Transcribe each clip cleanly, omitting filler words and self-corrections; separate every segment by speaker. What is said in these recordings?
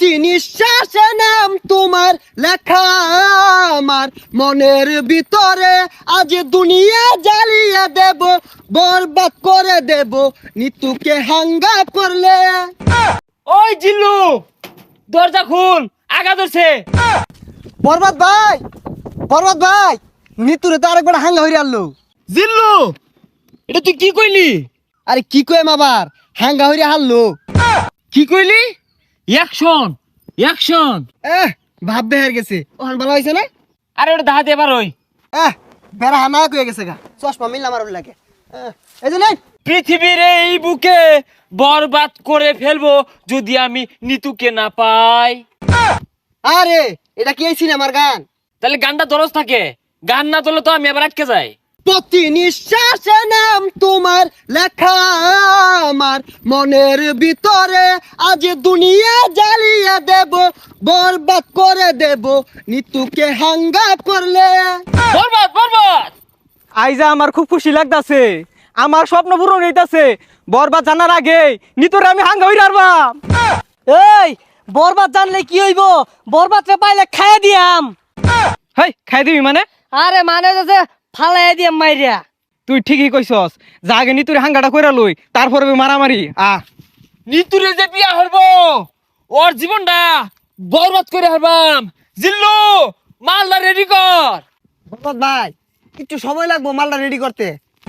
Speaker 1: প্রতি নিঃশ্বাসে নাম তোমার লেখা আমার মনের ভিতরে, আজ দুনিয়া জ্বালিয়ে দেব, বরবাদ করে দেব নিতুকে হাঙ্গা করলে।
Speaker 2: ওই জিল্লু, দরজা খুল, আগা ধরছে।
Speaker 1: বরবাদ ভাই, বরবাদ ভাই, নিতুরে তো আরেকবার হাঙ্গা হইরে আনলো।
Speaker 2: জিল্লু, এটা তুই কি কইলি?
Speaker 1: আরে কি কইম আবার, হাঙ্গা হইরে হারলো।
Speaker 2: কি কইলি? Action, action.
Speaker 1: ভাব বেহার গেছে, ওখান ভালো হয়েছে না?
Speaker 2: আরে ওটা দাহাতে এবার ওই
Speaker 1: বেড়া হানা কয়ে গেছে গা, চশমা মিললাম আর লাগে। এই যে নাই
Speaker 2: পৃথিবীর এই বুকে বরবাদ করে ফেলবো যদি আমি নিতুকে না পাই।
Speaker 1: আরে এটা কি এই সিনেমার গান?
Speaker 2: তাহলে গানটা দরজ থাকে, গান না তোলে তো আমি আবার আটকে যাই।
Speaker 1: প্রতি নিঃশ্বাসে নাম তোমার লেখা আমার মনের ভিতরে, আজ দুনিয়া জ্বালিয়ে দেব, বরবাদ করে দেব নিতুকে হাঙ্গা করলে।
Speaker 2: বরবাদ, বরবাদ।
Speaker 3: আইজা আমার খুব খুশি লাগতাছে, আমার স্বপ্ন পূরণ হইতাছে। বরবাদ জানার আগে নিতরে আমি হাঙ্গা হইরা আরবাম।
Speaker 4: এই বরবাদ জানলে কি হইব? বরবাদ রে পাইলে খাইয়া দিয়াম।
Speaker 3: হেই, খাই দিবি মানে?
Speaker 4: আরে মানে যে ফালাই দিয়াম মাইরিয়া।
Speaker 3: তুই ঠিকই কইছস, যা আগে নিতুরে হাঙ্গাটা কইরা লই, তারপরে মারামারি।
Speaker 2: নিতুরে যে বিয়া হরবো, ওর জীবনটা বরবাদ করে হারবাম। জিল্লু, মালদা রেডি কর।
Speaker 1: বরবাদ ভাই, একটু সময় লাগবো মালটা রেডি করতে।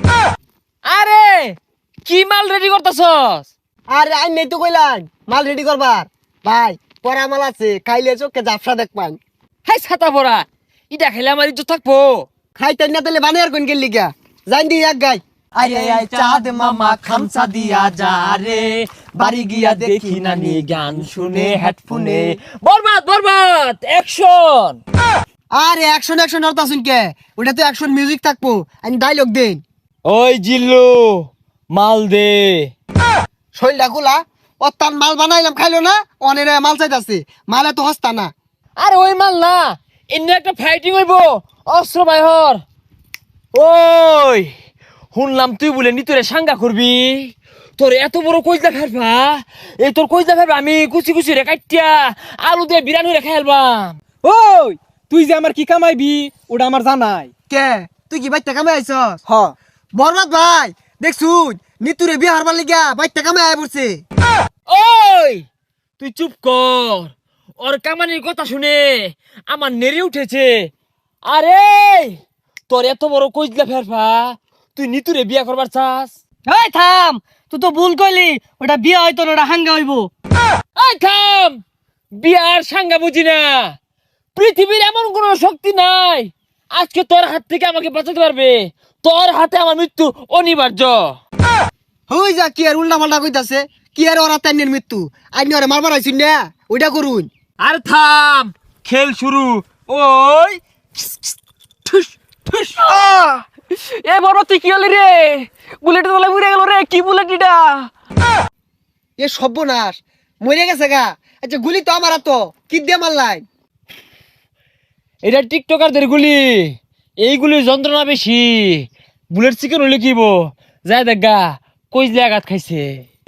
Speaker 2: আরে কি মাল রেডি করতেছস?
Speaker 1: আরে আই নেই তো কইলাম মাল রেডি করবার। ভাই পরা মাল আছে, খাইলে চোখে জাফসা দেখ পান।
Speaker 2: হাই ছাতা পড়া, ইটা খেলে আমার ইজ্জত থাকবো।
Speaker 1: খাইতে না তাহলে বানে আর কোন গেলি গা, জান দি এক গাই।
Speaker 4: আরে আই চাঁদ মামা খামসা দিয়া যা রে, বাড়ি গিয়া দেখি নানি গান শুনে হেডফোনে।
Speaker 2: বরবাদ, বরবাদ, অ্যাকশন।
Speaker 1: আরে অ্যাকশন অ্যাকশন অর্থ শুন কে, ওটা তো অ্যাকশন মিউজিক থাকবো, আমি ডায়লগ দেন।
Speaker 2: ওই জিল্লু, মাল দে।
Speaker 1: শৈলটা খোলা, ও তার মাল বানাইলাম খাইলো না, অনেক মাল চাইতাছে, মালে তো হস্তা না।
Speaker 2: আরে ওই মাল না, এমনি একটা ফাইটিং হইব, অস্ত্র বাইহর। ওই শুনলাম তুই বলে নিতরে সাঙ্গা করবি, তোর এত বড় কইজা ফেলবা, এই তোর কইজা ফেলবা আমি কুচি কুচি রে কাটিয়া আলু দিয়ে বিরানি রে খাইলবাম।
Speaker 3: ওই তুই যে আমার কি কামাইবি ওটা আমার জানাই।
Speaker 1: কে তুই কি বাইতে কামে আইছস?
Speaker 3: হ,
Speaker 1: বরবাদ ভাই দেখছুন, নিতুরে বিয়ে হারবার লিগা বাইতে কামে আয় পড়ছে।
Speaker 2: ওই তুই চুপ কর, ওর কামানির কথা শুনে আমার নেড়ে উঠেছে। আরে তোর এত বড় কইজলা ফেরফা, তুই নিতুরে বিয়া করবার চাস?
Speaker 4: এই থাম, তুই তো ভুল কইলি, ওটা বিয়া হইতো না, ওটা হাঙ্গা হইব।
Speaker 2: এই থাম, বিয়ার সাঙ্গা বুঝি না। পৃথিবীর এমন কোন শক্তি নাই আজকে তোর হাত থেকে আমাকে বাঁচাতে পারবে। তোর হাতে আমার মৃত্যু অনিবার্য।
Speaker 1: হই যা কি আর উল্টা পাল্টা কইতাছে, কি আর ওরা তাইনের মৃত্যু, আইনি ওরে মারবার আইছুন না, ওইটা করুন।
Speaker 2: আর থাম, খেল শুরু। ওই ঠুস ঠুস।
Speaker 3: এ বড় তুই কি হলি রে? বুলেট তোলা উড়ে গেল রে, কি বুলেট এটা?
Speaker 1: এ সর্বনাশ, মরে গেছে গা। আচ্ছা গুলি তো আমার তো কি দিয়ে মারলাই?
Speaker 2: এটা টিকটকারদের গুলি, এইগুলির যন্ত্রণা বেশি। বুলেট চিকেন হলে কিব যায় দেখ গা, কইজলে আঘাত খাইছে।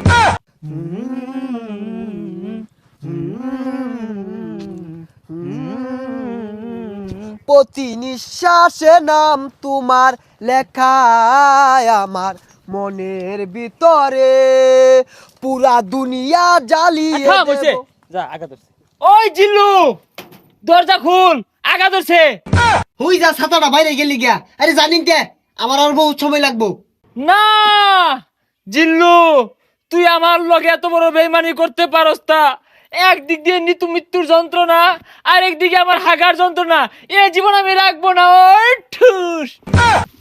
Speaker 1: প্রতি নিঃশ্বাসে নাম তোমার লেখা আমার মনের ভিতরে, পুরা দুনিয়া জ্বালিয়ে
Speaker 2: থাম, হইছে।
Speaker 1: দেব।
Speaker 2: যা আগা ধরছে। ওই জিল্লু, দরজা খুল, আগা ধরছে।
Speaker 1: হই যা ছাতাটা বাইরে গেলি গিয়া। আরে জানিন কে, আমার আর বহুত সময় লাগবো।
Speaker 2: না জিল্লু, তুই আমার লগে এত বড় বেইমানি করতে পারস তা? একদিক দিয়ে নিতু মৃত্যুর যন্ত্রণা, আর একদিকে আমার হাগার যন্ত্রণা, এ জীবন আমি রাখবো না। ওই ঠুস।